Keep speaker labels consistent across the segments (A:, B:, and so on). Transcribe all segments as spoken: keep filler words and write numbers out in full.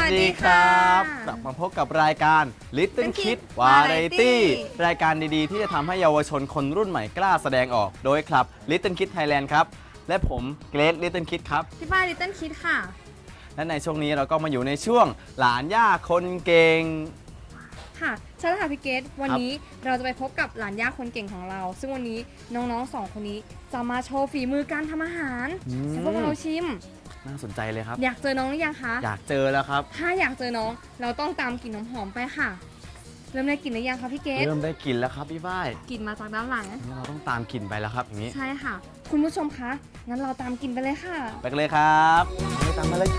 A: ดีครับกลับมาพบกับรายการ Little Kid Variety รายการดีๆที่จะทำให้เยาวชนคนรุ่นใหม่กล้าแสดงออกโดยคลับ Little Kid Thailand ครับและผมเกรท Little Kid ครับ
B: พี่ฝ้าย Little Kid ค่ะ
A: และในช่วงนี้เราก็มาอยู่ในช่วงหลานย่าคนเก่ง
B: ค่ะใช่แล้วค่ะพี่เกรทวันนี้เราจะไปพบกับหลานย่าคนเก่งของเราซึ่งวันนี้น้องๆสองคนนี้จะมาโชว์ฝีมือการทำอาหารให้พวกเราชิม
A: น่าสนใจเลยครับ
B: อยากเจอน้องหรือยังคะ
A: อยากเจอแล้วครับ
B: ถ้าอยากเจอน้องเราต้องตามกลิ่นน้ำหอมไปค่ะเริ่มได้กลิ่นหรือยังคะพี่เกรท
A: เริ่มได้กลิ่นแล้วครับพี่ฝ้าย
B: กลิ่นมาจากด้านหลัง
A: เราต้องตามกลิ่นไปแล้วครับอย่างนี้
B: ใช่ค่ะคุณผู้ชมคะงั้นเราตามกลิ่นไปเลยค่ะ
A: ไปกันเลยครับตามมาเลย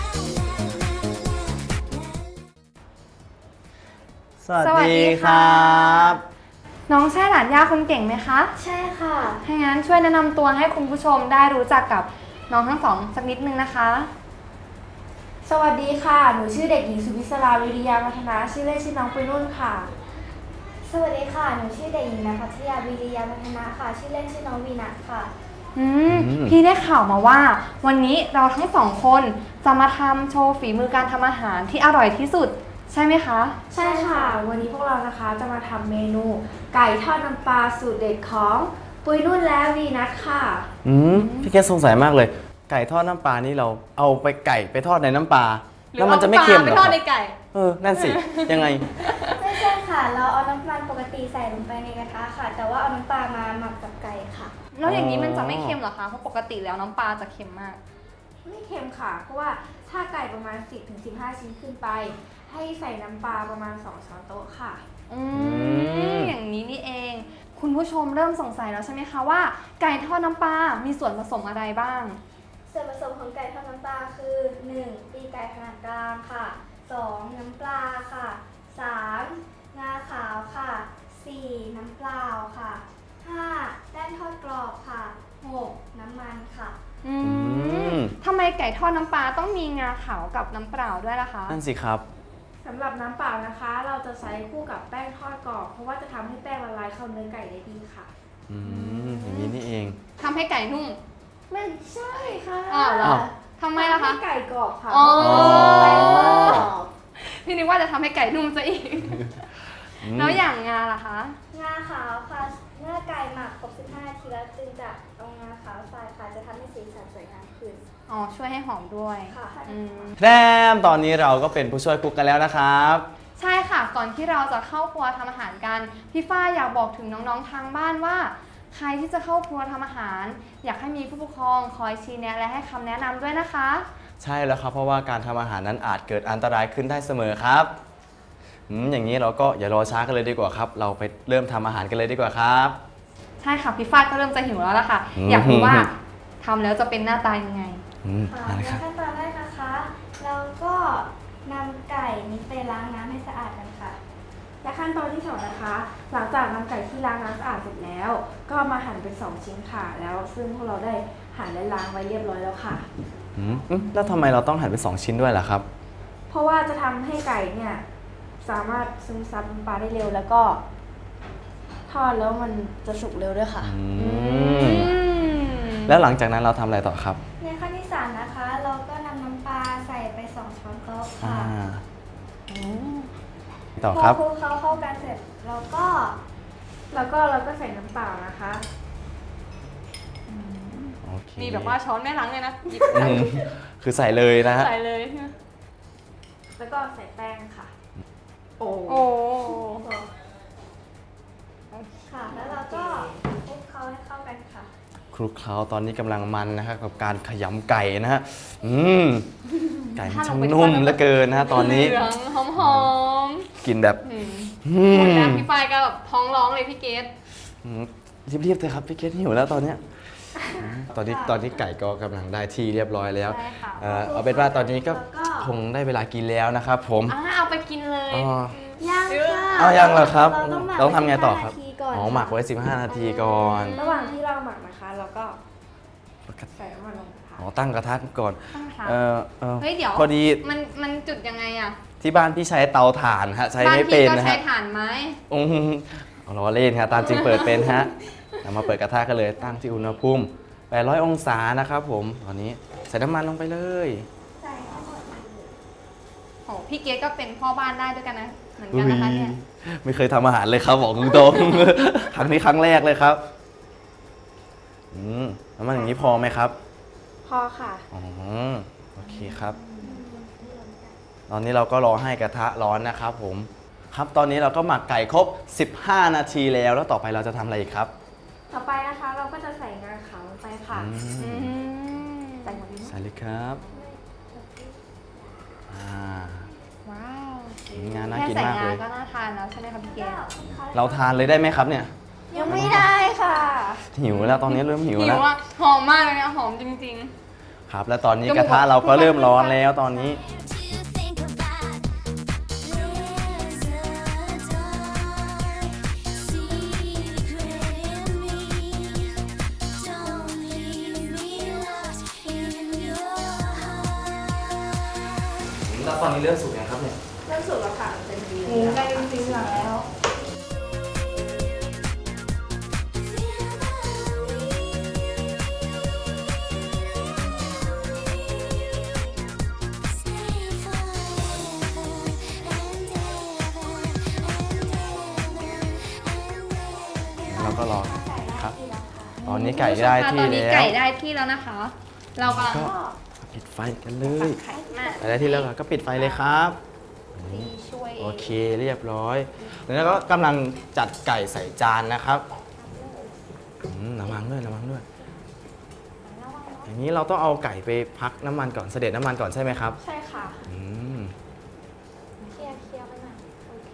A: สวัสดีครับ
B: น้องใช่หลานย่าคนเก่งไหมคะ
C: ใช่ค่ะ
B: ถ้างั้นช่วยแนะนำตัวให้คุณผู้ชมได้รู้จักกับน้องทั้งสองสักนิดนึงนะคะ
C: สวัสดีค่ะหนูชื่อเด็กหญิงสุวิศราวิริยามัทนาชื่อเล่นชื่อน้องปุยนุ่นค่ะสวัสดีค่ะหนูชื่อเด็กหญิงณภัทยาวิริยามัทนาค่ะชื่อเล่นชื่อน้องวีนัทค่ะ
B: อืมพี่ได้ข่าวมาว่าวันนี้เราทั้งสองคนจะมาทำโชว์ฝีมือการทำอาหารที่อร่อยที่สุดใช่ไหมคะ
C: ใช่ค่ะวันนี้พวกเรานะคะจะมาทำเมนูไก่ทอดน้ำปลาสูตรเด็ดของปุยนุ่นและวีนัทค่ะ
A: อืมพี่แกสงสัยมากเลยไก่ทอดน้ำปลานี่เราเอาไปไก่ไปทอดในน้ำปลาแล้วมันจะไม่เค็มหรอ
B: ไปทอดในไก่
A: เออนั่นสิยังไง
C: ไม่ใช่ค่ะเราเอาน้ำมันปกติใส่ลงไปในกระทะค่ะแต่ว่าเอาน้ำปลามาหมักกับไก่ค่ะ
B: แล้วอย่างนี้มันจะไม่เค็มหรอคะเพราะปกติแล้วน้ำปลาจะเค็มมาก
C: ไม่เค็มค่ะเพราะว่าถ้าไก่ประมาณ สิบถึงสิบห้า ชิ้นขึ้นไปให้ใส่น้ำปลาประมาณสองช้อนโต๊ะค่ะ
B: อืมอย่างนี้นี่เองคุณผู้ชมเริ่มสงสัยแล้วใช่ไหมคะว่าไก่ทอดน้ำปลามีส่วนผสมอะไรบ้าง
C: ส่วนผสมของไก่ทอดน้ำปลาคือ หนึ่ง ตีนไก่ขนาดกลางค่ะ สอง น้ำปลาค่ะ สาม งาขาวค่ะ สี่ น้ำเปล่าค่ะ ห้า แป้งทอดกรอบค่ะ หก น้ำมันค่ะ
B: อืมทำไมไก่ทอดน้ำปลาต้องมีงาขาวกับน้ำเปล่าด้วยล่ะคะ
A: นั่นสิครับ
C: สำหรับน้ำเปล่านะคะเราจะใช้คู่กับแป้งทอดกรอบเพราะว่าจะทำให้แป้งละลายเข้าเนื้อไก่ได้ดีค่ะ
A: อืมอย่างนี้นี่เอง
B: ทำให้ไก่นุ่ม
C: ไม่ใช่ค่ะ
B: อ้าวเหรอทำไมล่ะคะ
C: ไก่กรอบค่ะ
B: อ๋อพี่นึกว่าจะทำให้ไก่นุ่มซะอีกแล้วอย่างงาล่ะคะ
C: งาขาวค่ะเมื่อไก่หมักครบสิบห้านาทีแล้วจึงจะเอางาขาวใส่ค่ะจะทำให้สีสันสวยงามขึ้น
B: อ๋อช่วยให้หอมด้วย
C: ค่ะ
A: แทมตอนนี้เราก็เป็นผู้ช่วยคุกกันแล้วนะครับ
B: ใช่ค่ะก่อนที่เราจะเข้าครัวทำอาหารกันพี่ฝ้ายอยากบอกถึงน้องๆทางบ้านว่าใครที่จะเข้าครัวทำอาหารอยากให้มีผู้ปกครองคอยชี้แนะและให้คำแนะนำด้วยนะคะ
A: ใช่แล้วครับเพราะว่าการทำอาหารนั้นอาจเกิดอันตรายขึ้นได้เสมอครับอืมอย่างนี้เราก็อย่ารอช้ากันเลยดีกว่าครับเราไปเริ่มทำอาหารกันเลยดีกว่าครับ
B: ใช่ค่ะพี่ฝ้ายก็เริ่มจะหิวแล้วล่ะค่ะอยากรู้ว่าทำแล้วจะเป็นหน้าตายังไง
C: ในขั้นตอนแรกนะคะเราก็นำไก่นี้ไปล้างน้ำให้สะอาดกันค่ะและขั้นตอนที่สองนะคะหลังจากนำไก่ที่ล้างน้ำสะอาดเสร็จแล้วก็มาหั่นเป็นสองชิ้นค่ะแล้วซึ่งพวกเราได้หั่นและล้างไว้เรียบร้อยแล้วค่ะ
A: อืมแล้วทำไมเราต้องหั่นเป็นสองชิ้นด้วยล่ะครับ
C: เพราะว่าจะทำให้ไก่เนี่ยสามารถซึมซับน้ำปลาได้เร็วแล้วก็ทอดแล้วมันจะสุกเร็วด้วยค่ะ
A: แล้วหลังจากนั้นเราทำอะไรต่อครับ
C: ในขั้นที่สามนะคะเราก็นำน้ำปลาใส่ไปสองช้อนโต๊ะค่ะ
A: ต่อครับ
C: พอคลุกเคล้าเข้ากันเสร็จเราก็แล้วก็เราก็ใส่น้ำเปล่านะคะ
B: มีแบบว่าช้อนแม่ล้างเลยนะ
A: คือใส่เลยนะฮะ
B: ใส่เลย
C: แล้วก็ใส่แป้งค่ะ
B: โอ้โอ้
C: ค่ะแล้วเราก็คลุกเคล้าให้เข้ากันค่ะ
A: คลุกเคล้าตอนนี้กำลังมันนะครับกับการขยำไก่นะฮะอืมไก่ช่างนุ่มเหลือเกินนะฮะตอนนี้
B: เหลืองหอมหอม
A: กินแบบ
B: หมดแล้วพี่ฝ้ายก็แบบท้องร้องเลยพี่เกด
A: รีบๆเลยครับพี่เกดหิวแล้วตอนเนี้ยตอนนี้ตอนนี้ไก่ก็กำลังได้ที่เรียบร้อยแล้วเอาเป็นว่าตอนนี้ก็คงได้เวลากินแล้วนะครับผม
B: เอาไปกินเลย
C: ยังค่ะ
A: เอายังเหรอครับต้องทำไงต่อครับอ๋อหมักไว้สิบห้านาทีก่อน
C: ระหว่างที่เราหมักนะคะเราก็ใส่น้ำมันลงค่ะ
A: อ๋อตั้งกระทะก่อน
B: เออเฮ้ยเดี๋ยว
A: พอดี
B: มันมันจุดยังไงอะ
A: ที่บ้านพี่ใช้เตาถ่านฮะใช้ไม่เป็นนะฮะ
B: บ้านพี่ก็ใช้ถ่านไหม
A: อืมล้อเล่นครับตามจริงเปิดเป็นฮะเรามาเปิดกระทะกันเลยตั้งที่อุณหภูมิแปดร้อยองศานะครับผมตอนนี้ใส่น้ำมันลงไปเลย
C: ใส่ทั้งหมด
B: โหพี่เกดก็เป็นพ่อบ้านได้ด้วยกันนะเหมือนกันนะคะเนี่ย
A: ไม่เคยทำอาหารเลยครับบอกตรงๆ ครั้งนี้ครั้งแรกเลยครับอืมน้ำมันอย่างนี้พอไหมครับ
C: พอค่ะ
A: อ๋อโอเคครับ ตอนนี้เราก็รอให้กระทะร้อนนะครับผมครับตอนนี้เราก็หมักไก่ครบสิบห้านาทีแล้วแล้วต่อไปเราจะทำอะไรอีกครับ
C: ต่อไปนะคะเราก็จะใส่งาขาวลงไปค่ะ
A: อื
B: อื
A: ม
B: ม
C: ใส่หมดเลย
A: ใส่เลยครับอ่า
B: ว้าว
A: งานน่า
B: แค่
A: กิน
B: ใส่
A: มาก
B: งา
A: เลย
B: ก็น่าทานแล้วใช่ไหมคะพี่เกด
A: เราทานเลยได้ไหมครับเนี่ย
C: ยังไม่ได้ค่ะ
A: หิวแล้วตอนนี้เริ่มหิว
B: หิ
A: แล้ว ว
B: อ่ะหอมมากเลยนะหอมจริง
A: ครับ แล้วตอนนี้กระทะเราก็เริ่มร้อนแล้วตอนนี้ แล้วตอนนี้เริ่มสุกยังครับเนี่ย
C: เริ่มสุกแล้วค่ะเป็นดี
B: ๆหมูไก่เป็นสีเหลืองแล้ว
A: เราก็รอครับ ตอนนี้ไก่ได้ที่
B: ตอนนี้
A: แล้ว
B: ไก่ได้ที่แล้วนะคะ เรากำลัง
A: ก็ปิดไฟกันเลย
B: ไข่มา
A: ไก่ได้ที่แล้วก็ปิดไฟเลยครับ
B: ดีช่วย
A: โอเคเรียบร้อย แล้วก็กำลังจัดไก่ใส่จานนะครับอืมระวังด้วยระวังด้วย อย่างนี้เราต้องเอาไก่ไปพักน้ำมันก่อนเสด็จน้ำมันก่อนใช่ไหมครับ
C: ใช่ค่ะ
A: อืม
C: เคลียร์เคลียร์ไปหน่อยโอเค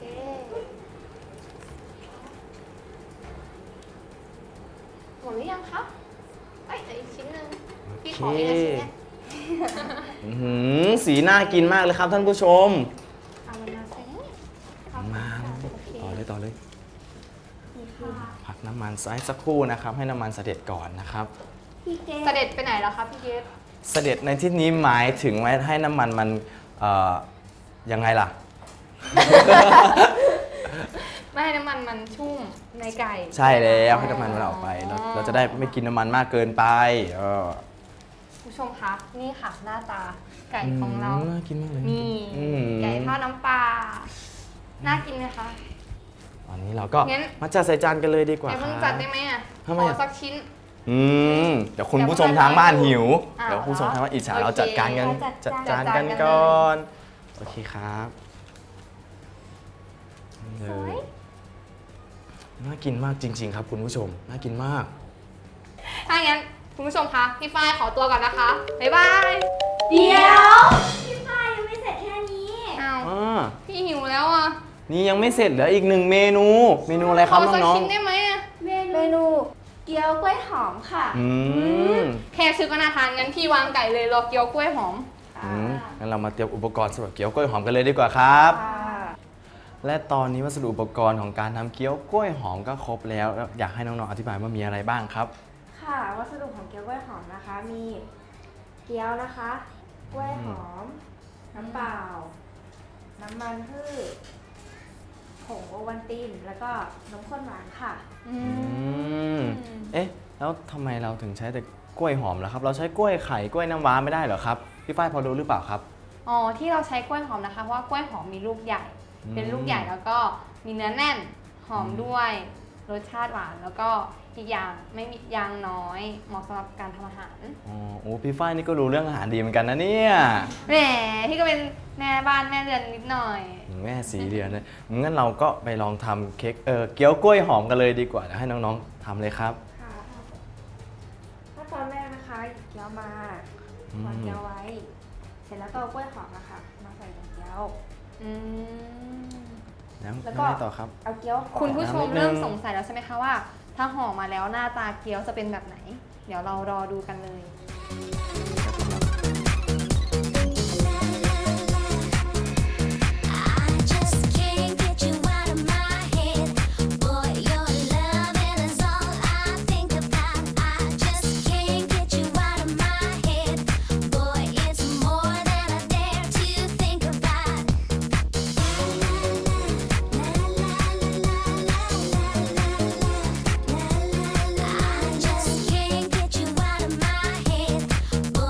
B: หมดหรือยังครับเอ้ยอีกชิ้นหนึ่ง
A: โอ
B: พี่
A: เค
B: ขออีกนะชิ้นเนี้ย
A: อื้อหือสีน่ากินมากเลยครับท่านผู้ชม
C: เอามันมาใส่
A: มา
C: โอเค
A: ต่อเลยต่อเลย
C: นี่ค่ะ
A: พักน้ำมันไว้สักครู่นะครับ ให้น้ำมันเสด็จก่อนนะครับ
C: พี่เก
B: เสด็จไปไหนแล้วครับพี่เกด
A: เสด็จในที่นี้หมายถึงไว้ให้น้ำมันมันเอ่อยังไงล่ะ
B: ไม่ให้น้ำมันมันชุ่มในไก่
A: ใช่แล้วให้น้ำมันมันออกไปเราเราจะได้ไม่กินน้ำมันมากเกินไปเออ
B: ผู้ชมคะนี่ค่ะหน้าตาไก่ของเรา
A: น่ากินมากเลย
B: นี่
A: อืม
B: ไก่ทอดน้ำปลาน่ากินไหมคะ
A: ตอนนี้เราก็
B: งั้น
A: มาจัดใส่จานกันเลยดีกว่า
B: ไก่
A: ค
B: เพิ่ง
A: รับ
B: จัดได้ไหมอ่ะ
A: ทำไม
B: ขอ
A: อ่ะ
B: สักชิ้น
A: อืมเดี๋ยวคุณผู้ชมทางบ้านหิว
B: อ้าว
A: เดี๋ยวผู้ชมทางบ้านอิจฉา
B: โอเค
A: เราจัดการกัน
C: จั
A: จั
C: ด
A: ด
C: จา
A: จาน น
B: จัด
A: กัน
B: กัน
A: ก่อนโอเคครับนี่เลยน่ากินมากจริง ๆ ครับคุณผู้ชมน่ากินมาก
B: ถ้างั้นคุณผู้ชมคะพี่ฝ้ายขอตัวก่อนนะคะบ๊ายบาย
C: เดี๋ยวพี่ฝ้ายยังไม่เสร็จแค่นี้
B: อ้าว
A: อ่า
B: พี่หิวแล้วอ่ะ
A: นี่ยังไม่เสร็จเหลืออีกหนึ่งเมนู เมนูอะไรครับ
B: ขสัก
A: น้อง
B: ชิ้นได้ไหมอ่ะ
C: เมนูเกี๊ยวกล้วยหอมค่ะ
A: ๆอืม
B: แค่ชื่อก็น่าทานงั้นพี่วางไก่เลยรอเกี๊ยวกล้วยหอม
A: อืมงั้นเรามาเตรียมอุปกรณ์สำหรับเกี๊ยวกล้วยหอมกันเลยดีกว่าครับ
C: ค่ะ
A: และตอนนี้วัสดุอุปกรณ์ของการทำเกี๊ยวกล้วยหอมก็ครบแล้วแล้วอยากให้น้องๆอธิบายว่ามีอะไรบ้างครับ
C: ค่ะ วัสดุของเกี๊ยวกล้วยหอมนะคะ มีเกี๊ยวนะคะ กล้วยหอม น้ำเปล่า น้ำมันพืชผงโอวัลติน แล้วก็นมข้นหวานค่ะ
B: อื
A: อื
B: ม
A: ม เอ๊ะ แล้วทำไมเราถึงใช้แต่กล้วยหอมล่ะครับ เราใช้กล้วยไข่กล้วยน้ำว้าไม่ได้เหรอครับ พี่ฝ้ายพอรู้หรือเปล่าครับ
B: อ๋อที่เราใช้กล้วยหอมนะคะเพราะว่ากล้วยหอมมีลูกใหญ่
A: อืม
B: เป็นลูกใหญ่แล้วก็มีเนื้อแน่นหอมด้วยรสชาติหวานแล้วก็อีกอย่างไม่มียางน้อยเหมาะสำหรับการทำอาหาร
A: อ๋อโอ้พี่ฝ้ายนี่ก็รู้เรื่องอาหารดีเหมือนกันนะเนี่ย
B: แหมพี่ก็เป็นแม่บ้านแม่เรือนนิดหน่อย
A: แม่สีเดือนเลยงั้นเราก็ไปลองทำเค้กเออเกี๊ยวกล้วยหอมกันเลยดีกว่าเดี๋ยวให้น้องๆทำเลยครับ
C: ค่ะขั้นตอนแรกนะคะหยิบเกี๊ยวมา
A: อืม
C: วางเกี๊ยวไว้ เสร็จแล้วก็เอากล้วยหอมนะคะมาใส่ในเกี๊ยว
B: อืม
A: แล้ว
C: แล้ว
A: ยัง
C: ก็
A: ไงต่อครับ
C: เอาเกี๊ยวห่อ
B: คุณผู้ชม
A: น้ำนิดนึง
B: เริ่มสงสัยแล้วใช่ไหมคะว่า ถ้าห่อมาแล้วหน้าตาเกี๊ยวจะเป็นแบบไหน เดี๋ยวเรารอดูกันเลย
D: I just can't get you out of my head. Boy, your loving is all I think about. I just can't get you out of my head. Boy, it's more than I dare to think about. I just can't get you out of my head.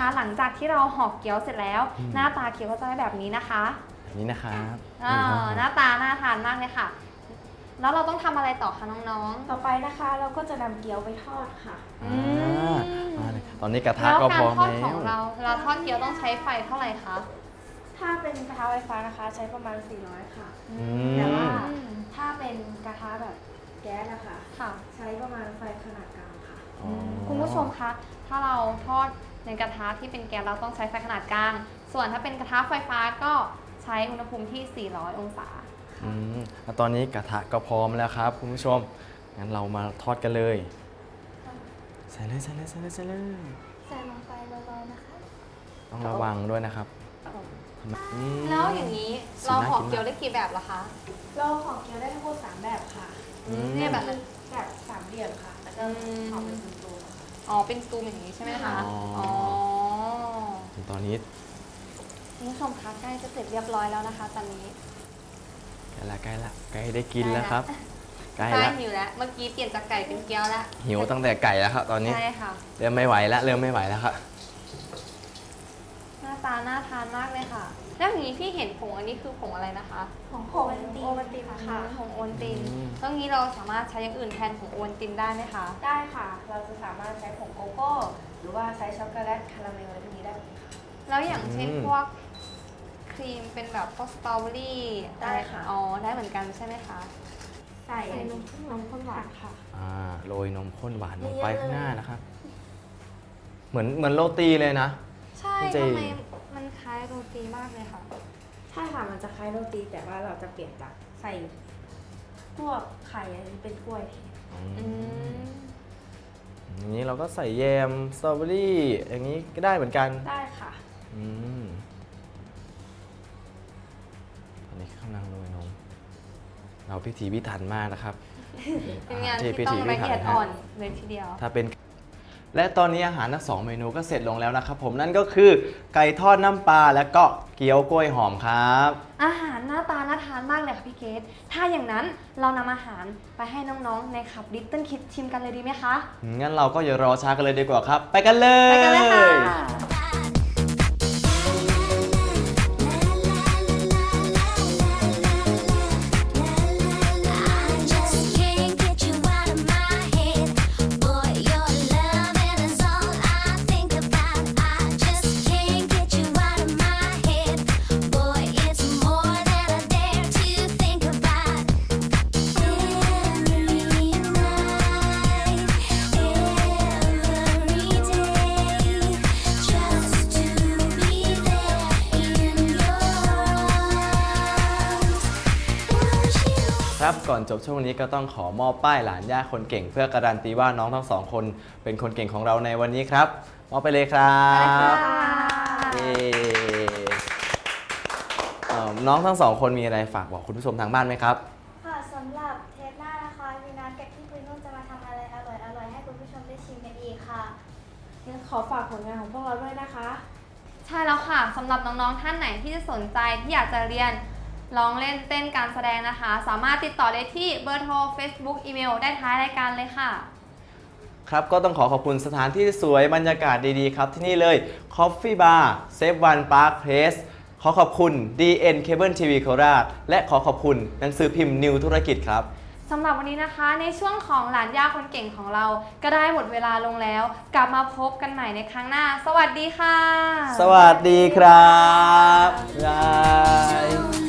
B: หลังจากที่เราห่อเกี๊ยวเสร็จแล้ว
A: อืม
B: หน้าตาเกี๊ยวก็จะได้แบบนี้นะคะ
A: แบบนี้นะครับ
B: อ่า
A: นี่ครับ
B: หน้าตาน่าทานมากเลยค่ะ แล้วเราต้องทำอะไรต่อคะน้อง
C: ต่อไปนะคะเราก็จะนำเกี๊ยวไปทอดค่ะ
B: ๆ
A: อ่
B: อืมา
A: มาเลยตอนนี้กระทะ
B: แล้ว
A: ก็
B: กา
A: พ
B: ร
A: ร้อม
B: ทอด
A: แล้
B: ของ
A: ว
B: เราเวลาทอดเกี๊ยวต้องใช้ไฟเท่าไหร่คะ
C: ถ้าเป็นกระทะไฟฟ้านะคะใช้ประมาณสี่ร้อยค่ะ
A: อื
C: แต่ว่า
A: ม
C: ถ้าเป็นกระทะแบบแก๊สนะคะ
B: ค่ะ
C: ใช้ประมาณไฟขนาดกลางค่ะ
A: อ๋อ
B: คุณผู้ชมคะ ถ้าเราทอดในกระทะที่เป็นแก๊สเราต้องใช้ไฟขนาดกลาง ส่วนถ้าเป็นกระทะไฟฟ้าก็ใช้อุณหภูมิที่ สี่ร้อย องศา
A: อืมแล้วตอนนี้กระทะก็พร้อมแล้วครับคุณผู้ชม งั้นเรามาทอดกันเลย ใส่เลยใส่เลยใส่เลยใส่เลย
C: ใส่ลงไปเบาๆนะคะ
A: ต้องระวังด้วยนะครับอืม
B: แล้วอย่างนี้
A: สี
B: เรา
A: น่า
B: ห่อ
A: กินมาก
B: เกี๊ยวได้กี่แบบล่ะคะ
C: เราห่อเกี๊ยวได้ทั้งหมดสามแบบค่ะ
A: อืม
B: เนี่ยแบบ
C: แบบสามเหลี่ยมค่ะ แล้วก็ห่อเป็นตูนๆค่ะ
B: อ๋อ เป็นสตูมอย่างนี้ใช่ไหมคะ
A: อ๋ออ๋
B: อ๋อ
A: ตอนนี้
B: คุณผู้ชมคะใกล้จะเสร็จเรียบร้อยแล้วนะคะ ตอนนี้
A: ใกล้ละใกล้ละใกล้ได้กินแล้วครับ ใกล้
B: ใกล้
A: ละ
B: หิวแล้ว เมื่อกี้เปลี่ยนจากไก่เป็นเกี๊ยวแล้ว
A: หิวตั้งแต่ไก่แล้วครับตอนนี้
B: ใช่ค่ะ
A: เริ่มไม่ไหวแล้วเริ่มไม่ไหวแล้วครับ
B: หน้าตาน่าทานมากเลยค่ะ แล้วอย่างนี้พี่เห็นผงอันนี้คือผงอะไรนะคะ
C: ของโอวัลติน
B: โอวัลตินค่ะผงโอวัลติน
A: อืม
B: ตรงนี้เราสามารถใช้อย่างอื่นแทนผงโอวัลตินได้ไหมคะ
C: ได้ค่ะ เราจะสามารถใช้ผงโกโก้ หรือว่าใช้ช็อกโกแลตคาราเมลอะไรพวกนี้ได้หมดค่ะ
B: แล้วอย่างเช่น
A: อืม
B: พวกครีมเป็นแบบพวกสตรอเบอรี่
C: ได้ค่ะ
B: อ๋อ ได้เหมือนกันใช่ไหมคะ
C: ใส่
B: ใส่น
C: น
B: ม
C: ม
B: ข้น
C: นมข้นหวานค่ะ
A: อ่าโรยนมข้นหวานลง
C: เยอะๆ
A: ไปข้างหน้านะครับ เหมือนเหมือนโรตีเลยนะ
B: ใช่
A: จริง
B: ทำไมมันคล้ายโรตีมากเลยค่ะ
C: ใช่ค่ะ มันจะคล้ายโรตีแต่ว่าเราจะเปลี่ยนจากใส่พวกไข่อันนี้เป็นกล้วยแทน
B: อืม
A: อย่างนี้เราก็ใส่แยมสตรอเบอรี่อย่างนี้ก็ได้เหมือนกัน
C: ได้ค่ะ
A: อืมตอนนี้กำลังโรยนมเราพิถีพิถันมากนะครับ
B: เป็นงาน
A: ที่
B: ที่ต้อง
A: พิถีพิ
B: ละ
A: ถัน
B: เอียด
A: ฮะ
B: อ่อนเลยทีเดียว
A: ถ้าเป็น และตอนนี้อาหารทั้งสองเมนูก็เสร็จลงแล้วนะครับผมนั่นก็คือไก่ทอดน้ำปลาและก็เกี๊ยวกล้วยหอมครับ
B: อาหารหน้าตาน่าทานมากเลยค่ะพี่เกดถ้าอย่างนั้นเรานำอาหารไปให้น้องๆในขับ Little Kids ชิมกันเลยดีไหมคะ
A: งั้นเราก็อย่ารอช้ากันเลยดีกว่าครับ ไปกันเลย
B: ไปกันเลยค่ะ
D: I just can't get you out of my head. Boy, your loving is all I think about. I just can't get you out of my head. Boy, it's more than I dare to think about. Every night, every day, just to be there in your arms. Want you.
A: ครับก่อนจบช่วงนี้ก็ต้องขอมอบป้ายหลานย่าคนเก่ง เพื่อการันตีว่าน้องทั้งสองคนเป็นคนเก่งของเราในวันนี้ครับมอบไปเลยครับเย้เอ่อน้องทั้งสองคนมีอะไรฝากบอกคุณผู้ชมทางบ้านไหมครับ
E: ค่ะสำหรับเทปหน้านะคะพี่นัทกับพี่ปุ้ยนุ่นจะมาทำอะไรอร่อยๆให้คุณผู้ชมได้ชิมกันอีกค่ะ
C: งั้นขอฝากผลงานของพวกเราด้วยนะคะ
B: ใช่แล้วค่ะสำหรับน้องๆท่านไหนที่จะสนใจที่อยากจะเรียนร้องเล่นเต้นการแสดงนะคะ สามารถติดต่อได้ที่เบอร์โทร Facebook อีเมลได้ท้ายรายการเลยค่ะ
A: ครับก็ต้องขอขอบคุณสถานที่สวยบรรยากาศดีๆครับที่นี่เลย Coffee Bar Save One Park Place ขอขอบคุณ ดี เอ็น Cable ที วี โคราชและขอขอบคุณหนังสือพิมพ์นิวธุรกิจครับ
B: สำหรับวันนี้นะคะในช่วงของหลานย่าคนเก่งของเรา ก็ได้หมดเวลาลงแล้ว กลับมาพบกันใหม่ในครั้งหน้า สวัสดีค่ะ
A: สวัสดีครับบ๊ายบาย